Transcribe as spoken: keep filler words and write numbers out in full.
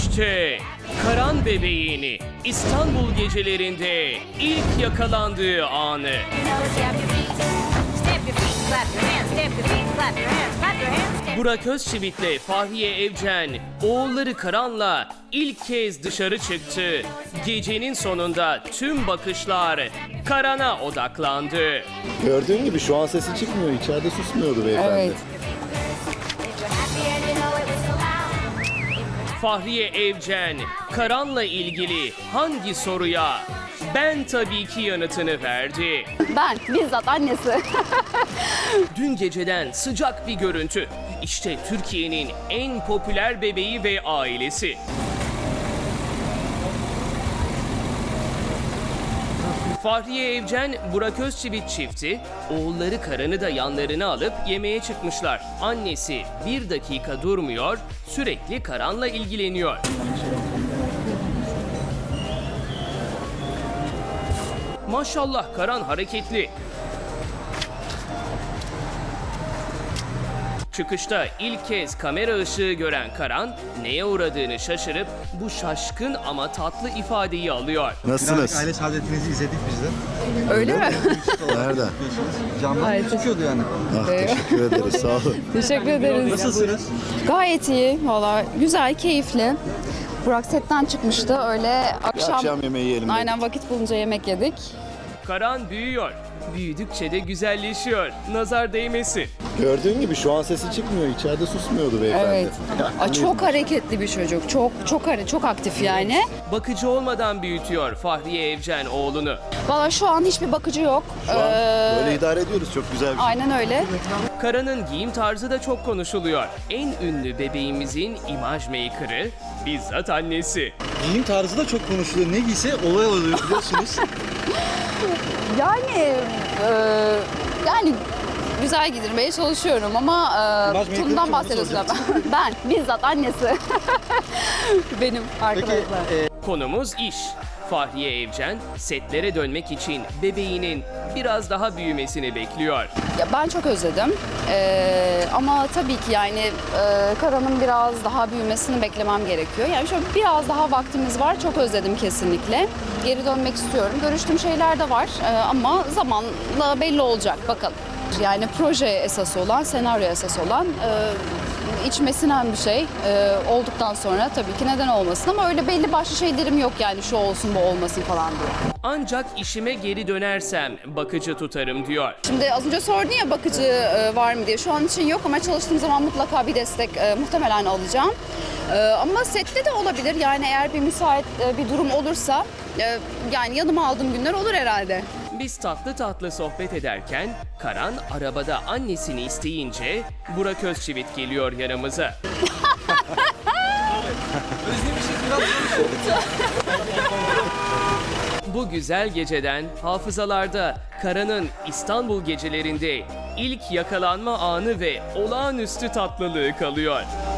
İşte Karan bebeğini İstanbul gecelerinde ilk yakalandığı anı. You know, step your feet, step your feet, clap your hands, step your feet, clap your hands, clap your hands, step. Burak Özçivit'le Fahriye Evcen oğulları Karan'la ilk kez dışarı çıktı. Gecenin sonunda tüm bakışlar Karan'a odaklandı. Gördüğün gibi şu an sesi çıkmıyor. İçeride susmuyordu beyefendi. Evet. If you're happy and you know it was so loud. Fahriye Evcen Karan'la ilgili hangi soruya ben tabii ki yanıtını verdi. Ben bizzat annesi. Dün geceden sıcak bir görüntü. İşte Türkiye'nin en popüler bebeği ve ailesi. Fahriye Evcen, Burak Özçivit çifti, oğulları Karan'ı da yanlarına alıp yemeğe çıkmışlar. Annesi bir dakika durmuyor, sürekli Karan'la ilgileniyor. Maşallah Karan hareketli. Çıkışta ilk kez kamera ışığı gören Karan, neye uğradığını şaşırıp bu şaşkın ama tatlı ifadeyi alıyor. Nasılsınız? Birazcık aile saadetinizi izledik biz de. Öyle mi? Nerede? Camdan çıkıyordu yani. Ah, teşekkür ederiz. Sağ olun. Teşekkür ederiz. Nasılsınız? Gayet iyi. Valla güzel, keyifli. Burak setten çıkmıştı. Öyle akşam, Akşam yemeği yiyelim dedik. aynen vakit bulunca yemek yedik. Karan büyüyor. Büyüdükçe de güzelleşiyor. Nazar değmesin. Gördüğün gibi şu an sesi çıkmıyor. İçeride susmuyordu beyefendi. Evet. Aa, çok hareketli bir çocuk. Çok çok hare- çok aktif yani. Bakıcı olmadan büyütüyor Fahriye Evcen oğlunu. Valla şu an hiçbir bakıcı yok. Şu an Ee, böyle idare ediyoruz. Çok güzel bir şey. Aynen öyle. Karan'ın giyim tarzı da çok konuşuluyor. En ünlü bebeğimizin imaj maker'ı bizzat annesi. Giyim tarzı da çok konuşuluyor. Ne giyse olay oluyor biliyorsunuz. Yani e, yani güzel giydirmeye çalışıyorum ama e, İmaj maker'ı Tuna'dan kim, bahsediyorsun. onu Ben bizzat annesi. Benim Peki arkadaşlar. e, Konumuz iş. Fahriye Evcen setlere dönmek için bebeğinin biraz daha büyümesini bekliyor. Ya ben çok özledim. Ee, ama tabii ki yani e, Karan'ın biraz daha büyümesini beklemem gerekiyor. Yani şöyle biraz daha vaktimiz var. Çok özledim kesinlikle. Geri dönmek istiyorum. Görüştüğüm şeyler de var Ee, ama zamanla belli olacak. Bakalım. Yani proje esas olan, senaryo esas olan e, içime sinen bir şey e, olduktan sonra tabii ki neden olmasın ama öyle belli başlı şeylerim yok yani şu olsun bu olmasın falan diye. Ancak işime geri dönersem bakıcı tutarım diyor. Şimdi az önce sordun ya bakıcı e, var mı diye. Şu an için yok ama çalıştığım zaman mutlaka bir destek e, muhtemelen alacağım. E, ama sette de olabilir. Yani eğer bir müsait e, bir durum olursa e, yani yanıma aldığım günler olur herhalde. Biz tatlı tatlı sohbet ederken Karan arabada annesini isteyince Burak Özçivit geliyor yanımıza. Bu güzel geceden hafızalarda Karan'ın İstanbul gecelerinde ilk yakalanma anı ve olağanüstü tatlılığı kalıyor.